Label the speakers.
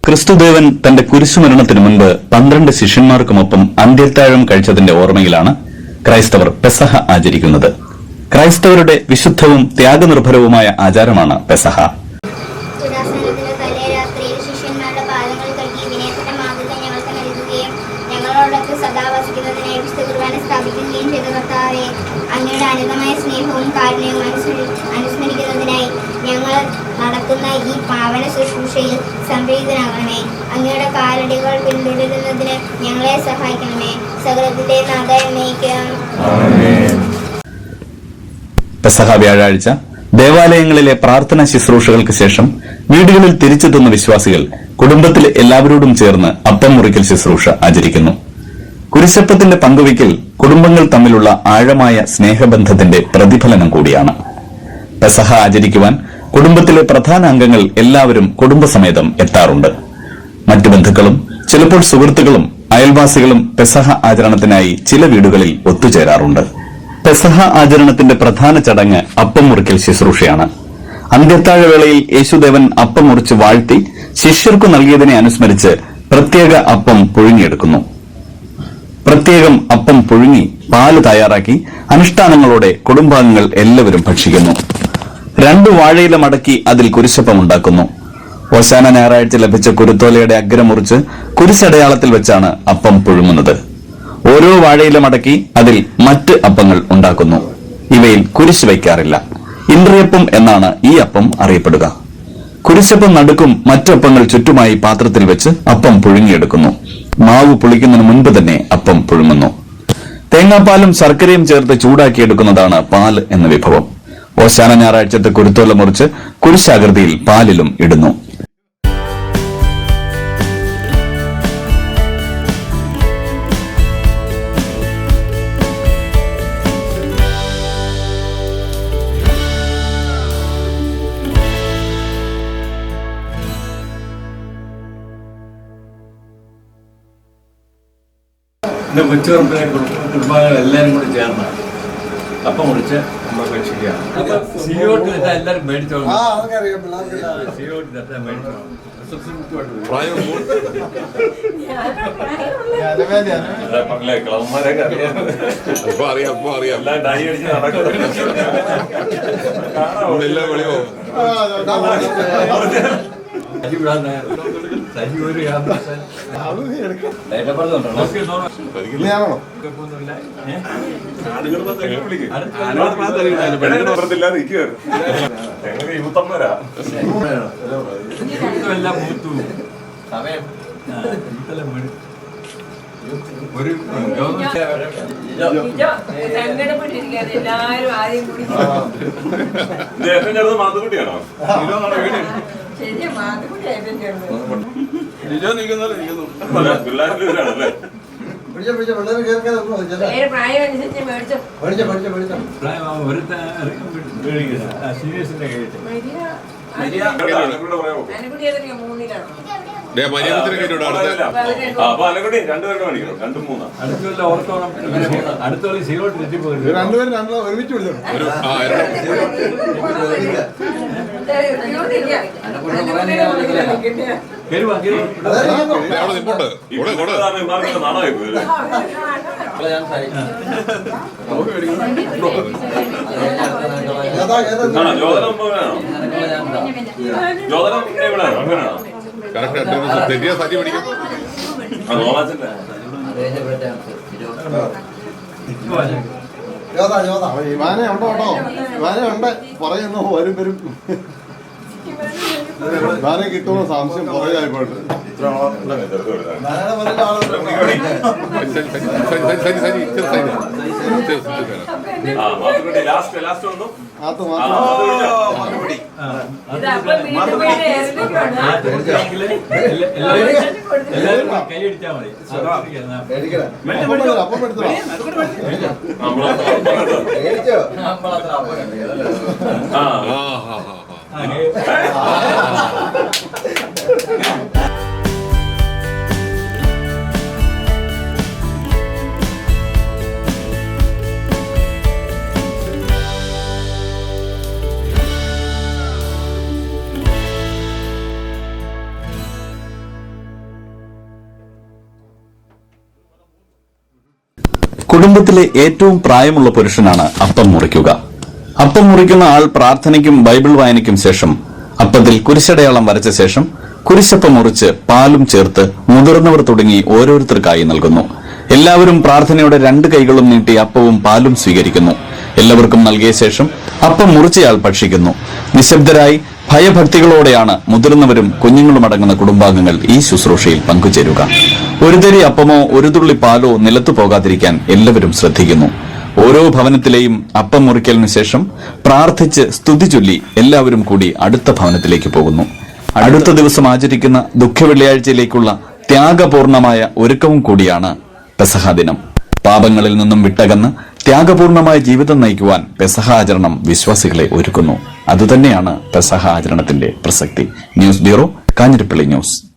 Speaker 1: ക്രിസ്തുദേവൻ തന്റെ കുരിശുമരണത്തിനു മുൻപ് 12 ശിഷ്യന്മാർക്കുമൊപ്പം അന്ത്യത്താഴം കഴിച്ചതിന്റെ ഓർമ്മയിലാണ് ക്രൈസ്തവർ പെസഹ ആചരിക്കുന്നത്. ക്രൈസ്തവരുടെ വിശുദ്ധവും ത്യാഗനിർഭരവുമായ ആചാരമാണ് പെസഹ.
Speaker 2: അങ്ങയുടെ അനന്തമായ സ്നേഹവും കാരുണ്യവും അനുസ്മരിക്കുന്നതിനായി ഞങ്ങൾ നടക്കുന്ന ഈ പാവന ശുശ്രൂഷയിൽ സംപ്രീതനാകണമേ. അങ്ങയുടെ കാലടികൾ പിന്തുടരുന്നതിന് ഞങ്ങളെ സഹായിക്കണമേ. സകലത്തിന്റെ നാഥനയിക്കാം.
Speaker 1: പെസഹ വ്യാഴാഴ്ച ദേവാലയങ്ങളിലെ പ്രാർത്ഥനാ ശുശ്രൂഷകൾക്ക് ശേഷം വീടുകളിൽ തിരിച്ചെത്തുന്ന വിശ്വാസികൾ കുടുംബത്തിലെ എല്ലാവരോടും ചേർന്ന് അപ്പം മുറിക്കൽ ശുശ്രൂഷ ആചരിക്കുന്നു. കുരിശപ്പത്തിന്റെ പങ്കുവയ്ക്കൽ കുടുംബങ്ങൾ തമ്മിലുള്ള ആഴമായ സ്നേഹബന്ധത്തിന്റെ പ്രതിഫലനം കൂടിയാണ്. പെസഹ ആചരിക്കുവാൻ കുടുംബത്തിലെ പ്രധാന അംഗങ്ങൾ എല്ലാവരും കുടുംബസമേതം എത്താറുണ്ട്. മറ്റു ബന്ധുക്കളും ചിലപ്പോൾ സുഹൃത്തുക്കളും അയൽവാസികളും പെസഹ ആചരണത്തിനായി ചില വീടുകളിൽ ഒത്തുചേരാറുണ്ട്. പെസഹ ആചരണത്തിന്റെ പ്രധാന ചടങ്ങ് അപ്പം മുറിക്കൽ ശുശ്രൂഷയാണ്. അന്ത്യത്താഴവേളയിൽ യേശുദേവൻ അപ്പം മുറിച്ച് വാഴ്ത്തി ശിഷ്യർക്കു നൽകിയതിനെ അനുസ്മരിച്ച് പ്രത്യേക അപ്പം പുഴുങ്ങിയെടുക്കുന്നു. പ്രത്യേകം അപ്പം പുഴുങ്ങി പാല് തയ്യാറാക്കി അനുഷ്ഠാനങ്ങളോടെ കുടുംബാംഗങ്ങൾ എല്ലാവരും ഭക്ഷിക്കുന്നു. 2 വാഴയില മടക്കി അതിൽ കുരിശപ്പം ഉണ്ടാക്കുന്നു. ഓശാന ഞായറാഴ്ച ലഭിച്ച കുരുത്തോലയുടെ അഗ്രം മുറിച്ച് കുരിശടയാളത്തിൽ വെച്ചാണ് അപ്പം പുഴുങ്ങുന്നത്. ഓരോ വാഴയില മടക്കി അതിൽ മറ്റ് അപ്പങ്ങൾ ഉണ്ടാക്കുന്നു. ഇവയിൽ കുരിശ് വയ്ക്കാറില്ല. ഇന്ദ്രിയപ്പം എന്നാണ് ഈ അപ്പം അറിയപ്പെടുക. കുരിശപ്പം നടുക്കും മറ്റപ്പങ്ങൾ ചുറ്റുമായി പാത്രത്തിൽ വെച്ച് അപ്പം പുഴുങ്ങിയെടുക്കുന്നു. മാവ് പുളിക്കുന്നതിന് മുൻപ് തന്നെ അപ്പം പുഴുങ്ങുന്നു. തേങ്ങാപ്പാലും ശർക്കരയും ചേർത്ത് ചൂടാക്കിയെടുക്കുന്നതാണ് പാൽ എന്ന വിഭവം. ഓശാന ഞായറാഴ്ചത്തെ കുരുത്തോല മുറിച്ച് കുരിശാകൃതിയിൽ പാലിലും ഇടുന്നു.
Speaker 3: എൻ്റെ കൊച്ചുപറമ്പിലെ കുടുംബാംഗങ്ങൾ എല്ലാവരും കൂടി ചേർന്ന് അപ്പം മുറിച്ച് നമ്മൾ ഭക്ഷിക്കുകയാണ്. സിയോട്ട് തെറ്റാൻ എല്ലാവരും മേടിച്ചോളൂ. സിയോട്ട് തെറ്റാൻ മേടിച്ചോളൂ. ഒരു
Speaker 4: സങ്കടപ്പെട്ടിരിക്കുകയാണ് എല്ലാവരും. ആദ്യം കൂടി
Speaker 3: മാത്തുകുട്ടിയാണോ?
Speaker 4: ശരിയാ, മാത്തുകുട്ടി ഏറ്റവും ചേർന്നത്. പ്രായം അനുസരിച്ച് മേടിച്ചോ.
Speaker 3: സീരിയസിന്റെ കേട്ട് അടുത്തുള്ള ഓർത്തോണം. അടുത്തുള്ള സീറോട്ട് തെറ്റിപ്പോയി.
Speaker 5: തെറ്റിയ സജി പിടിക്കും.
Speaker 6: ഇവാനെ ഉണ്ടോ കേട്ടോ, ഇവാനെ ഉണ്ട്. പറയുന്നു വരും വരും. ഇവാനെ കിട്ടുമോ സംശയം പുറകെയായിപ്പോട്ട്.
Speaker 3: കൈയടിച്ചാൽ മതി.
Speaker 6: അപ്പം എടുത്തോ.
Speaker 1: കുടുംബത്തിലെ ഏറ്റവും പ്രായമുള്ള പുരുഷനാണ് അപ്പം മുറിക്കുക. അപ്പം മുറിക്കുന്ന ആൾ പ്രാർത്ഥനയ്ക്കും ബൈബിൾ വായനയ്ക്കും ശേഷം അപ്പത്തിൽ കുരിശടയാളം വരച്ച ശേഷം കുരിശപ്പം മുറിച്ച് പാലും ചേർത്ത് മുതിർന്നവർ തുടങ്ങി ഓരോരുത്തർക്കായി നൽകുന്നു. എല്ലാവരും പ്രാർത്ഥനയോടെ 2 കൈകളും നീട്ടി അപ്പവും പാലും സ്വീകരിക്കുന്നു. എല്ലാവർക്കും നൽകിയ ശേഷം അപ്പം മുറിച്ചയാൾ ഭക്ഷിക്കുന്നു. നിശബ്ദരായി ഭയഭക്തികളോടെയാണ് മുതിർന്നവരും കുഞ്ഞുങ്ങളും അടങ്ങുന്ന കുടുംബാംഗങ്ങൾ ഈ ശുശ്രൂഷയിൽ പങ്കുചേരുക. ഒരു തരി അപ്പമോ ഒരു തുള്ളി പാലോ നിലത്തു പോകാതിരിക്കാൻ എല്ലാവരും ശ്രദ്ധിക്കുന്നു. ഓരോ ഭവനത്തിലെയും അപ്പം മുറിക്കലിനു ശേഷം പ്രാർത്ഥിച്ച് സ്തുതി ചൊല്ലി എല്ലാവരും കൂടി അടുത്ത ഭവനത്തിലേക്ക് പോകുന്നു. അടുത്ത ദിവസം ആചരിക്കുന്ന ദുഃഖവെള്ളിയാഴ്ചയിലേക്കുള്ള ത്യാഗപൂർണമായ ഒരുക്കവും കൂടിയാണ് പെസഹ ദിനം. പാപങ്ങളിൽ നിന്നും വിട്ടകന്ന് ത്യാഗപൂർണമായ ജീവിതം നയിക്കുവാൻ പെസഹ ആചരണം വിശ്വാസികളെ ഒരുക്കുന്നു. അതുതന്നെയാണ് പെസഹ ആചരണത്തിന്റെ പ്രസക്തി. News bureau, Kanjirappally news.